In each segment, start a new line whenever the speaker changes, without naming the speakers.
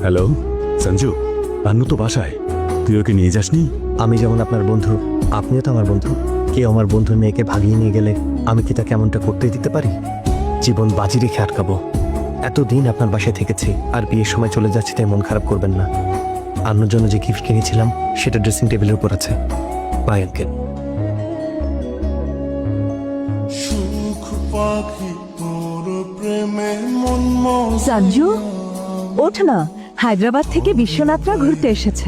Hello Sanju, আন্নু তো বাসায়, তুই ওকে নিয়ে যাসনি?
আমি যেমন আপনার বন্ধু, আপনিও তো আমার বন্ধু। কেউ আমার বন্ধুর মেয়েকে ভাগিয়ে নিয়ে গেলে আমি কি তাকে এমনটা করতে দিতে পারি? জীবন বাজি রেখে আটকাবো? এতদিন আপনার বাসায় থেকেছি, আর বিয়ের সময় চলে যাচ্ছি তাই মন খারাপ করবেন না। আন্নুর জন্য যে গিফট কিনেছিলাম সেটা ড্রেসিং টেবিলের উপর আছে। Bye uncle.
সঞ্জু, ওঠ না, হায়দ্রাবাদ থেকে বিশ্বনাথরা ঘুরতে এসেছে।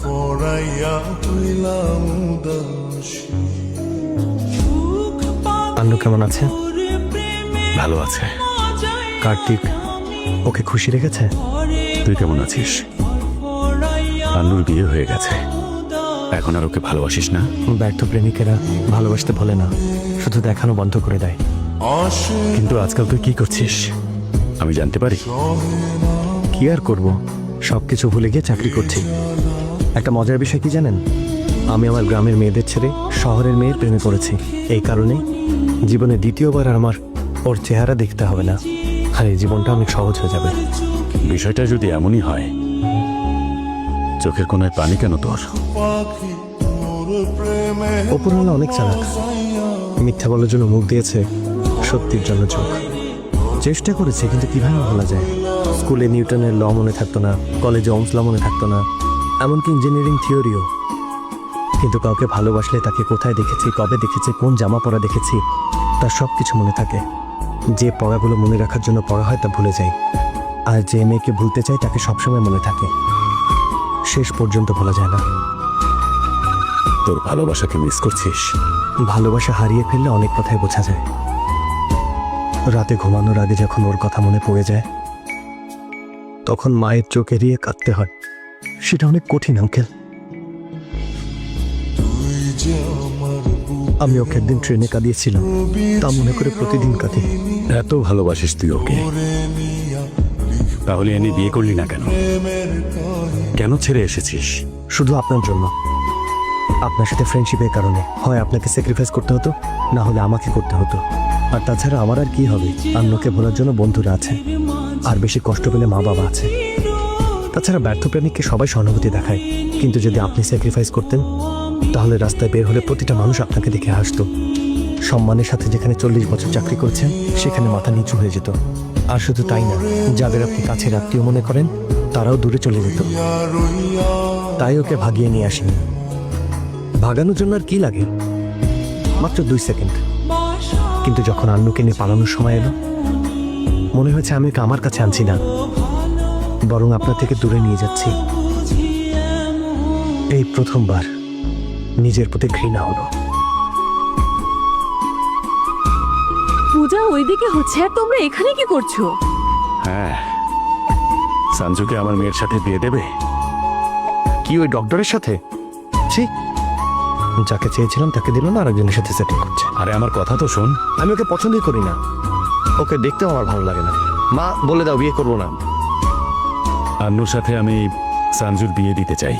আন্নু কেমন আছে?
ভালো আছে।
কার্তিক ওকে খুশি রেখেছে?
তুই কেমন আছিস? আন্নুর বিয়ে হয়ে গেছে, এখন আর ওকে ভালোবাসিস না?
ব্যর্থ প্রেমিকেরা ভালোবাসতে ভোলে না, শুধু দেখানো বন্ধ করে দেয়।
কিন্তু আজকাল তুই কি করছিস আমি জানতে পারি?
কি আর করব, সবকিছু ভুলে গিয়ে চাকরি করছি। একটা মজার বিষয় কি জানেন? আমি আমার গ্রামের মেয়েদের ছেড়ে শহরের মেয়ের প্রেমে পড়েছি। এই কারণে জীবনে দ্বিতীয়বার আর আমার ওর চেহারা দেখতে হবে না, আর এই জীবনটা অনেক সহজ হয়ে যাবে।
বিষয়টা যদি এমনই হয়, চোখের কোনায় পানি কেন তোর?
অপূর্ণা অনেক চালাক, মিথ্যা বলার জন্য মুখ দিয়েছে, সত্যির জন্য চোখ। চেষ্টা করেছে, কিন্তু কিভাবে বলা যায়? স্কুলে নিউটনের ল মনে থাকতো না, কলেজে ওমস ল মনে থাকতো না, এমনকি ইঞ্জিনিয়ারিং থিওরিও। কিন্তু কাউকে ভালোবাসলে তাকে কোথায় দেখেছি, কবে দেখেছি, কোন জামা পরা দেখেছি, তার সব কিছু মনে থাকে। যে পড়াগুলো মনে রাখার জন্য পড়া হয় তা ভুলে যায়, আর যে মেয়েকে ভুলতে চায় তাকে সবসময় মনে থাকে, শেষ পর্যন্ত ভোলা যায় না।
তোর ভালোবাসাকে মিস করছিস?
ভালোবাসা হারিয়ে ফেললে অনেক কথাই বোঝা যায়। রাতে ঘুমানোর আগে যখন ওর কথা মনে পড়ে যায়, তখন মায়ের চোখ এড়িয়ে কাঁদতে হয়। সেটা অনেক কঠিন আঙ্কেল। আমি ওকে একদিন ট্রেনে কাঁদিয়েছিলাম, তা মনে করে প্রতিদিন কাঁদি।
এত ভালোবাসিস তুই ওকে, তাহলে এনে বিয়ে করলি না কেন? কেন ছেড়ে এসেছিস?
শুধু আপনার জন্য, আপনার সাথে ফ্রেন্ডশিপের কারণে। হয় আপনাকে স্যাক্রিফাইস করতে হতো, না হলে আমাকে করতে হতো। আর তাছাড়া আমার আর কি হবে? আন্নুকে ভোলার জন্য বন্ধুরা আছে, আর বেশি কষ্ট পেলে মা বাবা আছে। তাছাড়া ব্যর্থ প্রেমিককে সবাই সহানুভূতি দেখায়, কিন্তু যদি আপনি স্যাক্রিফাইস করতেন, তাহলে রাস্তায় বের হলে প্রতিটা মানুষ আপনাকে দেখে হাসতো। সম্মানের সাথে যেখানে 40 বছর চাকরি করছেন, সেখানে মাথা নিচু হয়ে যেত। আর শুধু তাই না, যাদের আপনি কাছের আত্মীয় মনে করেন, তারাও দূরে চলে যেত। তাই ওকে ভাগিয়ে নিয়ে আসেনি। ভাগানোর জন্য আর কি লাগে? মাত্র 2 সেকেন্ড। কিন্তু যখন আন্নুকে নিয়ে পালানোর সময় এলো, মনে হয়েছে আমি ওকে আমার কাছে আনছি না, বরং আপনার থেকে দূরে নিয়ে যাচ্ছি। এই প্রথমবার নিজের প্রতি ঘৃণা হলো।
পূজা ওইদিকে হচ্ছে, আর তোমরা এখানে কি করছো?
হ্যাঁ, সঞ্জুকে আমার মেয়ের সাথে বিয়ে দেবে?
কি ওই ডক্টরের সাথে? ছি, যাকে চেয়েছিলাম তাকে দিল না, আরেকজনের সাথে সেটিং করছে।
আরে আমার কথা তো শোন।
আমি ওকে পছন্দই করি না, ওকে দেখতেও আমার ভালো লাগে না। মা বলে দাও বিয়ে করবো না।
আন্নুর সাথে আমি সঞ্জুর বিয়ে দিতে চাই।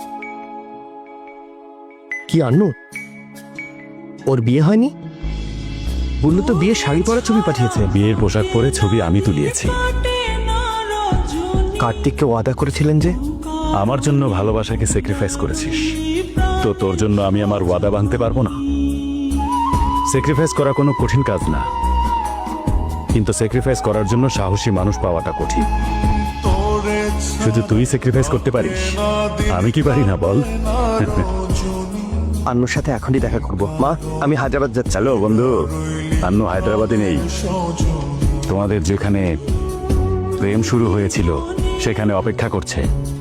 কি আন্নু? ওর বিয়ে হয়নি? বললো তো বিয়ে শাড়ি পরা ছবি পাঠিয়েছে।
বিয়ের পোশাক পরে ছবি আমি তুলিয়েছি।
কার্তিককে ওয়াদা করেছিলেন যে
আমার জন্য ভালোবাসাকে স্যাক্রিফাইস করেছিস, তো তোর জন্য আমি আমার ওয়াদা ভাঙতে পারবো না? স্যাক্রিফাইস করা কোনো কঠিন কাজ না, কিন্তু স্যাক্রিফাইস করার জন্য সাহসী মানুষ পাওয়াটা কঠিন। শুধু তুই স্যাক্রিফাইস করতে পারিস, আমি কি পারি না বল?
আন্নুর সাথে এখনই দেখা করব। মা, আমি হায়দ্রাবাদ যাচ্ছি।
হ্যালো বন্ধু, আন্নু হায়দ্রাবাদে নেই, তোমাদের যেখানে প্রেম শুরু হয়েছিল সেখানে অপেক্ষা করছে।